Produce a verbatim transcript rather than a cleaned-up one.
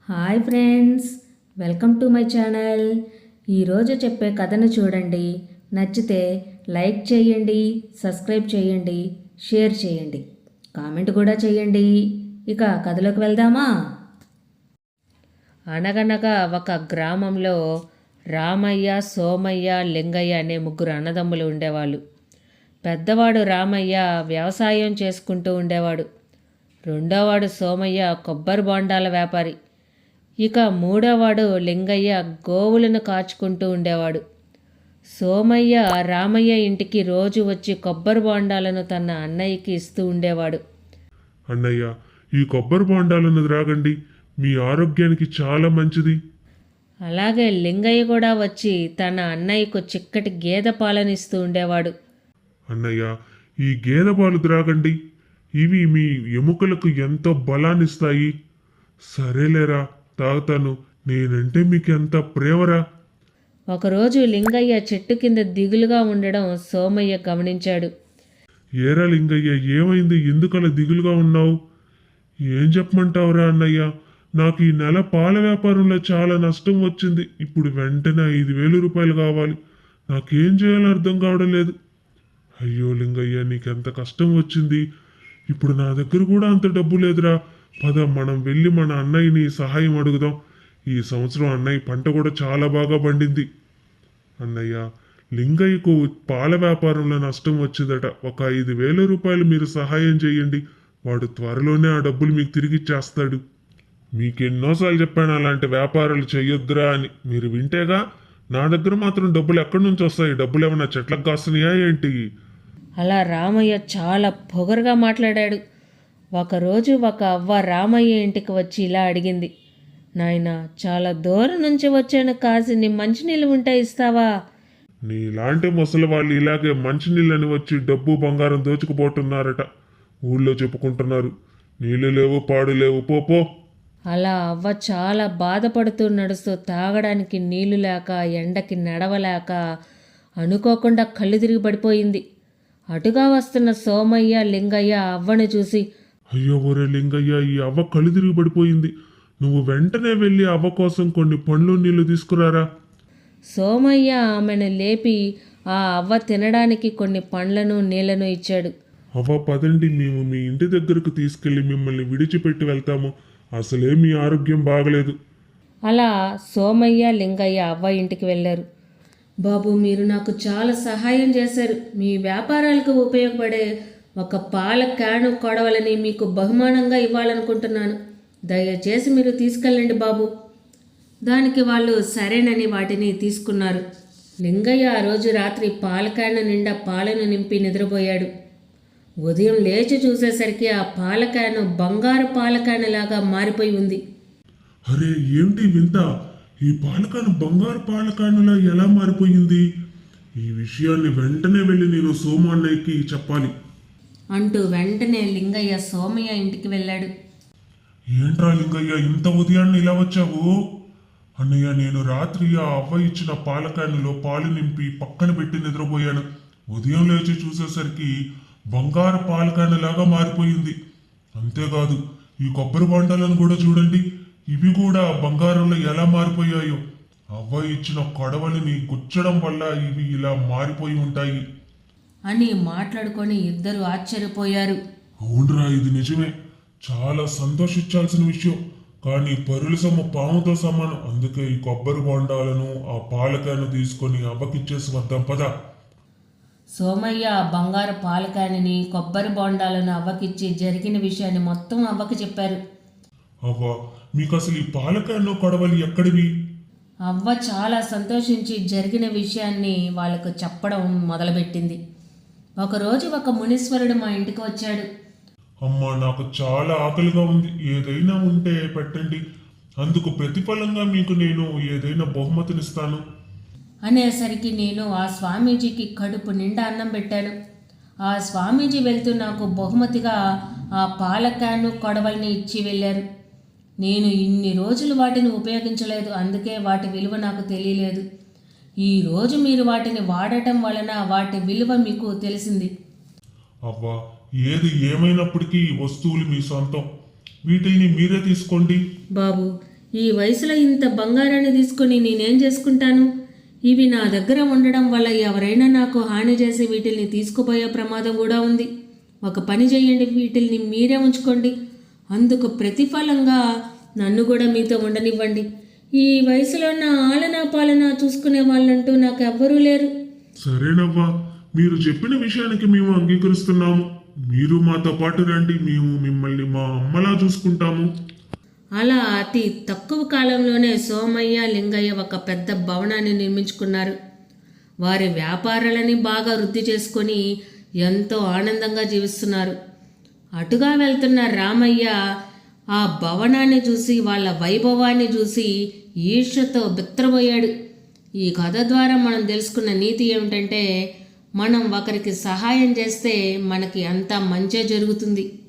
Hi friends, welcome to my channel. ఈరోజు చెప్పే కథను చూడండి. నచ్చితే లైక్ చేయండి, సబ్స్క్రైబ్ చేయండి, షేర్ చేయండి, కామెంట్ కూడా చేయండి. ఇక కథలోకి వెళ్దామా? అనగనగా ఒక గ్రామంలో రామయ్య, సోమయ్య, లింగయ్య అనే ముగ్గురు అన్నదమ్ములు ఉండేవాళ్ళు. పెద్దవాడు రామయ్య వ్యవసాయం చేసుకుంటూ ఉండేవాడు. రెండోవాడు సోమయ్య కొబ్బరి బొండాల వ్యాపారి. ఇక మూడోవాడు లింగయ్య గోవులను కాచుకుంటూ ఉండేవాడు. సోమయ్య రామయ్య ఇంటికి రోజు వచ్చి కొబ్బరి బొండాలను తన అన్నయ్యకి ఇస్తూ ఉండేవాడు. అన్నయ్య, ఈ కొబ్బరి బొండాలను త్రాగండి, మీ ఆరోగ్యానికి చాలా మంచిది. అలాగే లింగయ్య కూడా వచ్చి తన అన్నయ్యకు చిక్కటి గేదె పాలనిస్తూ ఉండేవాడు. అన్నయ్య, ఈ గేదె పాలు త్రాగండి, ఇవి మీ ఎముకలకు ఎంతో బలాన్నిస్తాయి. సరేలేరా, తాగుతాను, నేనంటే మీకు ఎంత ప్రేమరా. ఒకరోజు లింగయ్య చెట్టు కింద దిగులుగా ఉండడం సోమయ్య గమనించాడు. ఏరా లింగయ్య, ఏమైంది? ఎందుకలా దిగులుగా ఉన్నావు? ఏం చెప్పమంటావురా అన్నయ్య, నాకు ఈ నెల పాల వ్యాపారంలో చాలా నష్టం వచ్చింది. ఇప్పుడు వెంటనే ఐదు వేలు రూపాయలు కావాలి. నాకేం చేయాలో అర్థం కావడం లేదు. అయ్యో లింగయ్య, నీకెంత కష్టం వచ్చింది. ఇప్పుడు నా దగ్గర కూడా అంత డబ్బు లేదురా. పద, మనం వెళ్ళి మన అన్నయ్యని సహాయం అడుగుదాం. ఈ సంవత్సరం అన్నయ్య పంట కూడా చాలా బాగా పండింది. అన్నయ్య, లింగయ్యకు పాల వ్యాపారంలో నష్టం వచ్చిందట. ఒక ఐదు వేల రూపాయలు మీరు సహాయం చేయండి. వాడు త్వరలోనే ఆ డబ్బులు మీకు తిరిగి ఇచ్చేస్తాడు. మీకు ఎన్నోసార్లు చెప్పాను అలాంటి వ్యాపారాలు చేయొద్దురా అని. మీరు వింటేగా. నా దగ్గర మాత్రం డబ్బులు ఎక్కడి నుంచి వస్తాయి? డబ్బులు ఏమన్నా చెట్లకు కాస్తున్నాయా ఏంటి? అలా రామయ్య చాలా పొగరుగా మాట్లాడాడు. ఒకరోజు ఒక అవ్వ రామయ్య ఇంటికి వచ్చి ఇలా అడిగింది. నాయనా, చాలా దూరం నుంచి వచ్చాను, కాసిని మంచినీళ్ళు ఉంటే ఇస్తావా? నీలాంటి ముసలి వాళ్ళు ఇలాగే మంచినీళ్ళని వచ్చి డబ్బు బంగారం దోచుకుపోతున్నారట. ఊళ్ళో చెప్పుకుంటున్నారు. నీళ్లు లేవు, పాడు లేవు, పోపో. అలా అవ్వ చాలా బాధపడుతూ నడుస్తూ తాగడానికి నీళ్లు లేక, ఎండకి నడవలేక అనుకోకుండా కళ్ళు తిరిగి పడిపోయింది. అటుగా వస్తున్న సోమయ్య, లింగయ్య అవ్వని చూసి, అయ్యో ఒరే లింగయ్య, ఈ అవ్వ కళ్ళు తిరిగి పడిపోయింది. నువ్వు వెంటనే వెళ్ళి అవ్వ కోసం కొన్ని పండ్లు నీళ్లు తీసుకురారా. సోమయ్య ఆమెను లేపి ఆ అవ్వ తినడానికి కొన్ని పండ్లను నీళ్లను ఇచ్చాడు. అవ్వ, పదండి, మేము మీ ఇంటి దగ్గరకు తీసుకెళ్లి మిమ్మల్ని విడిచిపెట్టి వెళ్తాము. అసలే మీ ఆరోగ్యం బాగలేదు. అలా సోమయ్య, లింగయ్య అవ్వ ఇంటికి వెళ్ళారు. బాబు, మీరు నాకు చాలా సహాయం చేశారు. మీ వ్యాపారాలకు ఉపయోగపడే ఒక పాల క్యాను కొడవలని మీకు బహుమానంగా ఇవ్వాలనుకుంటున్నాను. దయచేసి మీరు తీసుకెళ్ళండి బాబు. దానికి వాళ్ళు సరేనని వాటిని తీసుకున్నారు. లింగయ్య ఆ రోజు రాత్రి పాల క్యాను నిండా పాలను నింపి నిద్రపోయాడు. ఉదయం లేచి చూసేసరికి ఆ పాల క్యాను బంగారు పాల క్యాను లాగా మారిపోయి ఉంది. అరే, ఏమిటి వింత? ఈ పాలకాను బంగారు పాలకానులా ఎలా మారిపోయింది? ఈ విషయాన్ని వెంటనే వెళ్ళి నేను సోము అన్నయ్యకి చెప్పాలి అంటూ వెంటనే లింగయ్య సోమయ్య ఇంటికి వెళ్ళాడు. ఏంట్రా లింగయ్య, ఇంత ఉదయాన్నే ఇలా వచ్చావు? అన్నయ్య, నేను రాత్రి ఆ అవ్వ ఇచ్చిన పాలకానులో పాలు నింపి పక్కన పెట్టి నిద్రపోయాను. ఉదయం లేచి చూసేసరికి బంగారు పాలకానులాగా మారిపోయింది. అంతేకాదు, ఈ కొబ్బరి బొండాలను కూడా చూడండి, ఇవి కూడా బంగారంలో ఎలా మారిపోయాయో. అవ్వ ఇచ్చిన కొడవలిని గుచ్చడం వల్ల ఇవి ఇలా మారిపోయి ఉంటాయి అని మాట్లాడుకొని ఇద్దరు ఆశ్చర్యపోయారు. అవునరా, ఇది నిజమే. చాలా సంతోషించాల్సిన విషయం. కానీ పరుల సొమ్ము పాముతో సమానం. అందుకే ఈ కొబ్బరి బొండాలను ఆ పాలకాయను తీసుకొని అవ్వకిచ్చేసి వద్దాం, పద. సోమయ్య ఆ బంగారు పాలకాయని, కొబ్బరి బొండాలను అవ్వకిచ్చి జరిగిన విషయాన్ని మొత్తం అవ్వకి చెప్పారు. అవ్వ, మీకు అసలు ఈ పాలకాయను కొడవలి ఎక్కడివి? అవ్వ చాలా సంతోషించి జరిగిన విషయాన్ని వాళ్ళకు చెప్పడం మొదలుపెట్టింది. ఒకరోజు ఒక మునీశ్వరుడు మా ఇంటికి వచ్చాడు. అమ్మా, నాకు చాలా ఆకలిగా ఉంది. ఏదైనా ఉంటే పెట్టండి. అందుకు ప్రతిఫలంగా మీకు నేను ఏదైనా బహుమతినిస్తాను అనేసరికి నేను ఆ స్వామీజీకి కడుపు నిండా అన్నం పెట్టాను. ఆ స్వామీజీ వెళ్తూ నాకు బహుమతిగా ఆ పాల క్యాను కొడవల్ని ఇచ్చి వెళ్ళారు. నేను ఇన్ని రోజులు వాటిని ఉపయోగించలేదు, అందుకే వాటి విలువ నాకు తెలియలేదు. ఈరోజు మీరు వాటిని వాడటం వలన వాటి విలువ మీకు తెలిసింది. అవ్వా, ఏది ఏమైనప్పటికీ ఈ వస్తువులు మీ సొంతం. వీటిని మీరే తీసుకోండి. బాబు, ఈ వయసులో ఇంత బంగారాన్ని తీసుకొని నేనేం చేసుకుంటాను? ఇవి నా దగ్గర ఉండడం వల్ల ఎవరైనా నాకు హాని చేసి వీటిల్ని తీసుకుపోయే ప్రమాదం కూడా ఉంది. ఒక పని చేయండి, వీటిల్ని మీరే ఉంచుకోండి. అందుకు ప్రతిఫలంగా నన్ను కూడా మీతో ఉండనివ్వండి. ఈ వయసులో నా ఆలనా పాలన చూసుకునే వాళ్ళంటూ నాకు ఎవ్వరూ లేరు. సరేనవ్వా, మీరు చెప్పిన విషయానికి మేము అంగీకరిస్తున్నాము. మీరు మాతో పాటు రండి, మేము మిమ్మల్ని మా అమ్మలా చూసుకుంటాము. అలా అతి తక్కువ కాలంలోనే సోమయ్య లింగయ్య ఒక పెద్ద భవనాన్ని నిర్మించుకున్నారు. వారి వ్యాపారాలని బాగా వృద్ధి చేసుకొని ఎంతో ఆనందంగా జీవిస్తున్నారు. అటుగా వెళ్తున్న రామయ్య ఆ భవనాన్ని చూసి, వాళ్ళ వైభవాన్ని చూసి ఈర్ష్యతో బిత్తరపోయాడు. ఈ కథ ద్వారా మనం తెలుసుకున్న నీతి ఏమిటంటే, మనం ఒకరికి సహాయం చేస్తే మనకి అంతా మంచే జరుగుతుంది.